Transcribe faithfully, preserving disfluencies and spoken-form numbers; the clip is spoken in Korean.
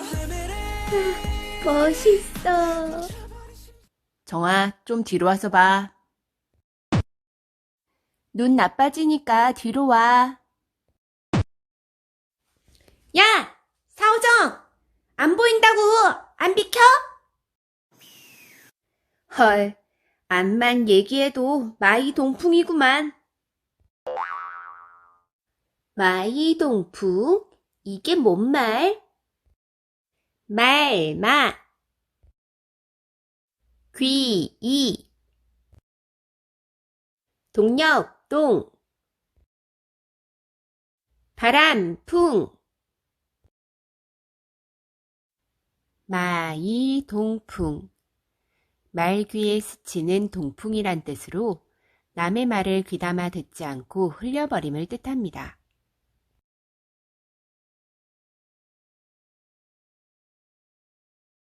멋있어. 정아, 좀 뒤로 와서 봐. 눈 나빠지니까 뒤로 와. 야! 사오정! 안 보인다고! 안 비켜? 헐, 암만 얘기해도 마이 동풍이구만. 마이 동풍? 이게 뭔 말? 말, 마. 귀, 이. 동력, 동. 바람, 풍. 마이 동풍. 말 귀에 스치는 동풍이란 뜻으로 남의 말을 귀담아 듣지 않고 흘려버림을 뜻합니다.